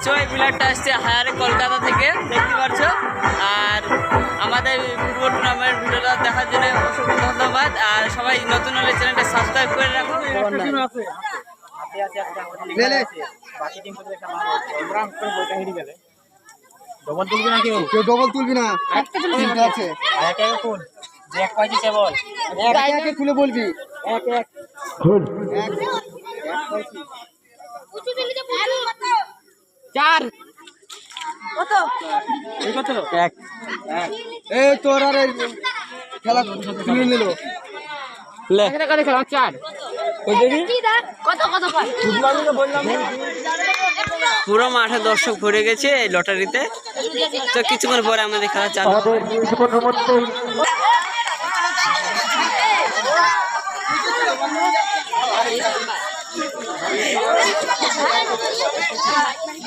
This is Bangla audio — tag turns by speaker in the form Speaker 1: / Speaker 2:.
Speaker 1: দেখছো এই প্লেয়ারটা আসছে হায়ারে কলকাতা থেকে, দেখতে পাচ্ছ। আর আমাদের ফুটবল টুর্নামেন্ট ভিডিওটা দেখার জন্য অসংখ্য ধন্যবাদ। আর সবাই নতুন হলে চ্যানেলটা সাবস্ক্রাইব করে রাখো।
Speaker 2: ডবল তুলবি না, কেউ ডবল তুলবি না, আছে খুলে বলবি
Speaker 1: চার
Speaker 2: এই তোর আর খেলা তুলে নিল
Speaker 1: পুরো মাঠে দর্শক ভরে গেছে এই লটারিতে। তো কিছুক্ষণ পরে আমাদের খেলা চালু হবে।